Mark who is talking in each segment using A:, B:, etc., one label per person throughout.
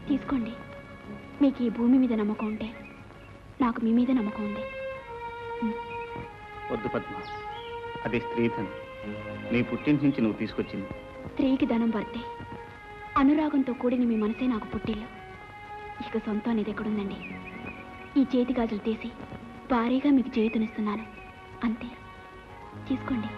A: తీసుకోండి. మీకు ఈ భూమి మీద నమ్మకం ఉంటే నాకు మీ మీద నమ్మకం ఉంది.
B: వద్దు పద్మ, అది స్త్రీధనం. నీ పుట్టింటి నుంచి నువ్వు తీసుకొచ్చింది.
A: స్త్రీకి ధనం పడితే అనురాగంతో కూడిన మీ మనసే నాకు పుట్టిల్లు. ఇక సొంతం అనేది ఎక్కడుందండి? ఈ చేతి గాజులు తీసి భారీగా మీకు చేతునిస్తున్నాను, అంతే. తీసుకోండి.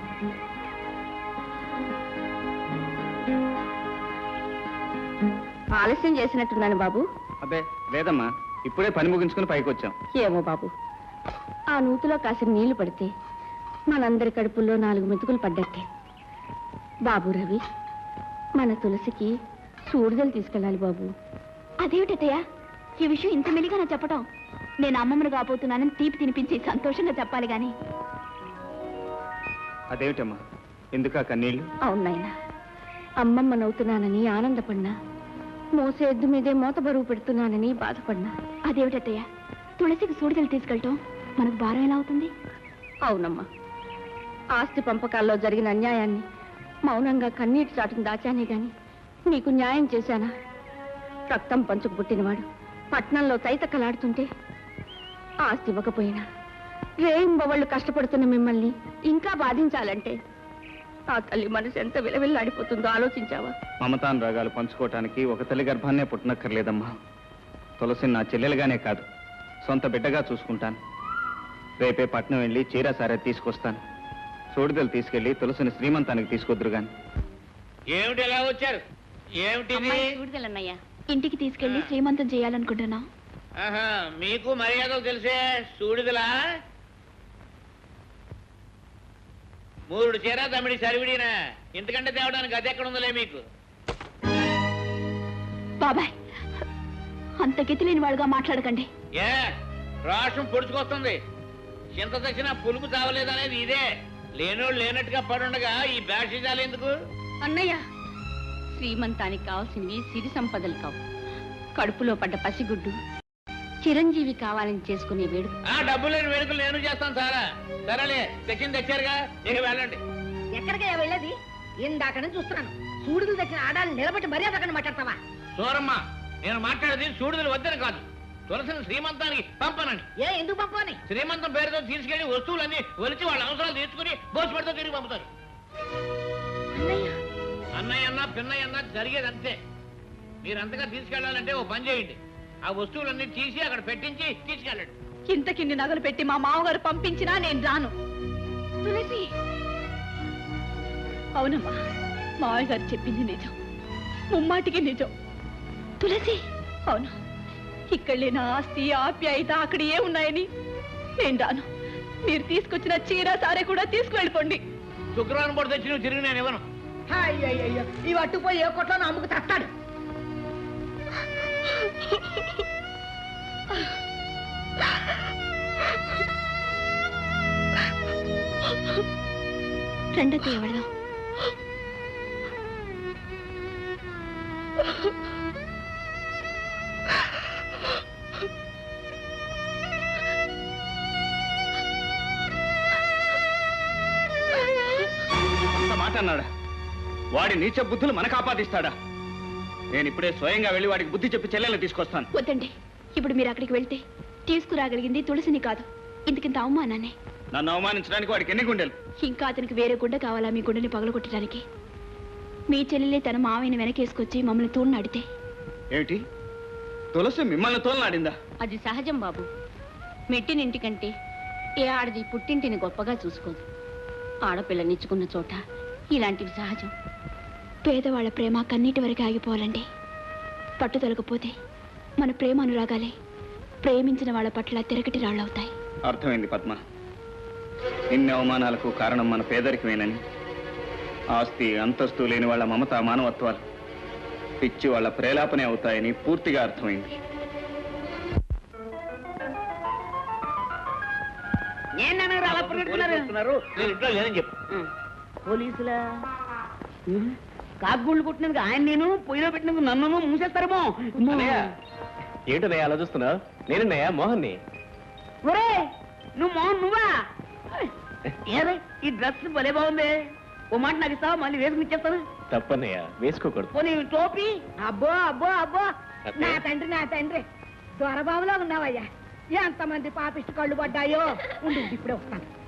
C: ఆలస్యం చేసినట్టున్నాను బాబు.
B: అబ్బే లేదమ్మా, ఇప్పుడే పని ముగించుకుని పైకి వచ్చాం.
C: ఏమో బాబు, ఆ నూతిలో కాసిన నీళ్లు పడితే మనందరి కడుపుల్లో 4 మెతుకులు పడ్డట్టే. బాబు రవి, మన తులసికి సూడిదలు తీసుకెళ్ళాలి బాబు.
A: అదేమిటయ్యా ఈ విషయం ఇంత మెలిగా నా చెప్పటం? నేను అమ్మమ్మను కాబోతున్నానని తీపి తినిపించి సంతోషంగా చెప్పాలి గాని.
B: అదేమిటమ్మా, ఎందుకా కన్నీళ్ళు?
C: అవునాయనా, అమ్మమ్మనవుతున్నానని ఆనందపడినా, మోసే ఎద్దు మీదే మోత బరువు పెడుతున్నానని బాధపడినా.
A: అదేమిటయ్యా తులసికి సూడిదలు తీసుకెళ్ళటం మనకు భారం ఎలా అవుతుంది?
C: అవునమ్మా, ఆస్తి పంపకాల్లో జరిగిన అన్యాయాన్ని మౌనంగా కన్నీటి చాటును దాచానే గాని నీకు న్యాయం చేశానా? రక్తం పంచుకు పుట్టినవాడు పట్నంలో తైతక్కలాడుతుంటే ఆస్తి ఇవ్వకపోయినా రేయింబవళ్ళు కష్టపడుతున్న మిమ్మల్ని ఇంకా బాధించాలంటే ఆ తల్లి మనసు ఎంత విలవిల్లాడిపోతుందో ఆలోచించావా?
B: మమతానురాగాలు పంచుకోవటానికి ఒక తల్లి గర్భాన్నే పుట్టనక్కర్లేదమ్మా. తులసిని నా చెల్లెలుగానే కాదు, సొంత బిడ్డగా చూసుకుంటాను. రేపే పట్నం వెళ్ళి చీర సారే తీసుకొస్తాను. సూడిదలు తీసుకెళ్లి తులసిని శ్రీమంతానికి తీసుకొద్దురు గాని.
D: ఏమిటి ఎలా వచ్చారు? ఏమిటి
C: సూడిదలన్నయ్యా?
A: ఇంటికి తీసుకెళ్లి శ్రీమంతం చేయాలనుకుంటున్నా.
D: మీకు మర్యాదలు తెలిసే సూడిదలా? 3 చీర తమిడి సరివిడినా, ఇంతకంటే తేవడానికి అది ఎక్కడ ఉందలే మీకు.
A: బాబాయ్, అంత గతి లేని వాడుగా మాట్లాడకండి.
D: ఏ రాష్ట్రం పొడుచుకొస్తుంది. చింత తెచ్చినా పులుపు తావలేదనేది ఇదే. లేనోళ్ళు లేనట్టుగా పడుండగా ఈ బ్యాషిజాలు ఎందుకు?
C: అన్నయ్య, శ్రీమంతానికి కావాల్సినవి సిరి సంపదలు కావు, కడుపులో పడ్డ పసిగుడ్డు చిరంజీవి కావాలని చేసుకునే వేడుక.
D: డబ్బు లేని వేడుకలు నేను చేస్తాను సారా. సరేలే, తెచ్చింది తెచ్చారుగా, ఇక వెళ్ళండి.
E: ఎక్కడికే వెళ్ళేది? ఇందాక నుంచి చూస్తున్నాను. సూడులు తెచ్చిన ఆడాలు నిలబెట్టి మర్యాద అక్కడ మాట్లాడతావా?
D: సూరమ్మ, నేను మాట్లాడేది సూడుదలు వద్దని కాదు, తులసిని శ్రీమంతానికి పంపనండి.
E: ఎందుకు పంపని?
D: శ్రీమంతం పేరుతో తీసుకెళ్లి వస్తువులన్నీ ఒలిచి వాళ్ళ అవసరాలు తీర్చుకుని భోజపడితో తిరిగి పంపుతారు. అన్నయ్య అన్నా పిన్నయ్య అన్నా జరిగేది అంతే. మీరంతగా తీసుకెళ్లాలంటే ఓ పని చేయండి, ఆ వస్తువులన్నీ తీసి అక్కడ పెట్టించి తీసుకెళ్ళండి.
C: ఇంతకిన్ని నగలు పెట్టి మా మామగారు పంపించినా నేను రాను. తులసి, అవునమ్మా, మావయ్య గారు చెప్పింది నిజం, ముమ్మాటికి నిజం.
A: తులసి,
C: అవును, ఇక్కడ లేని ఆస్తి ఆప్యాయత అక్కడ ఏ ఉన్నాయని నేను రాను. మీరు తీసుకొచ్చిన చీర సారే కూడా తీసుకువెళ్ళిపోండి.
D: శుక్రవారం పూట తెచ్చి నువ్వు తిరిగి నేను ఇవ్వను.
E: అయ్యయ్యో, ఇవి అట్టుపోయి ఏ కొట్లో అమ్ముకు తస్తాడు.
A: రెండో ఎవడదాం.
B: మాట అన్నాడా? వాడి నీచ బుద్ధులు మనకు ఆపాదిస్తాడా? నేను ఇప్పుడే స్వయంగా వెళ్ళి వాడికి బుద్ధి చెప్పి చెల్లెలు తీసుకొస్తాను.
A: వద్దండి, ఇప్పుడు మీరు అక్కడికి వెళ్తే తీసుకురాగలిగింది తులసిని కాదు, ఇంతకింత అవమానాన్ని.
B: నన్ను అవమానించడానికి వాడికి ఎన్ని గుండెలు?
A: ఇంకా అతనికి వేరే గుండె కావాలా మీ గుండెని పగలగొట్టడానికి? మీ చెల్లెలే తన మావయ్యని వెనకేసుకొచ్చి మమ్మల్ని తోడునాడితే?
B: ఏమిటి, తులసి మిమ్మల్ని తోలనాడిందా?
C: అది సహజం బాబు. మెట్టినింటికంటే ఏ ఆడది పుట్టింటిని గొప్పగా చూసుకోదు. ఆడపిల్లనిచ్చుకున్న చోట ఇలాంటివి సహజం.
A: పేదవాళ్ల ప్రేమ కన్నీటి వరకు ఆగిపోవాలండి. పట్టుదలకపోతే మన ప్రేమ అనురాగాలే ప్రేమించిన వాళ్ళ పట్ల తిరగటి రాళ్ళవుతాయి.
B: అర్థమైంది పద్మ, ఇన్ని అవమానాలకు కారణం మన పేదరికమేనని, ఆస్తి అంతస్తు లేని వాళ్ళ మమత మానవత్వాలు పిచ్చి వాళ్ళ ప్రేలాపనే అవుతాయని పూర్తిగా అర్థమైంది.
E: పోలీసులా కాకుగుళ్ళు కొట్టినందుకు ఆయన నేను పొయ్యిలో పెట్టినందుకు నన్ను మూసేస్తారేమో.
B: ఏంటనయ్య అలా చూస్తున్నావు? నేనన్నయ్య మోహన్ని.
E: ఒరే, నువ్వు మోహన్ నువ్వా? ఏరే, ఈ డ్రెస్ భలే బాగుంది. ఓ మాట నాకు ఇస్తావా? మళ్ళీ వేసుకుని ఇచ్చేస్తాను.
B: తప్పన్నయ్య, వేసుకోకూడదు.
E: పోనీ టోపీ? అబ్బో అబ్బో అబ్బో, నా తండ్రి దొరబాబులో ఉన్నావయ్యా ఎంతమంది పాపిష్టి కళ్ళు పడ్డాయో ఉండు ఇప్పుడే వస్తాను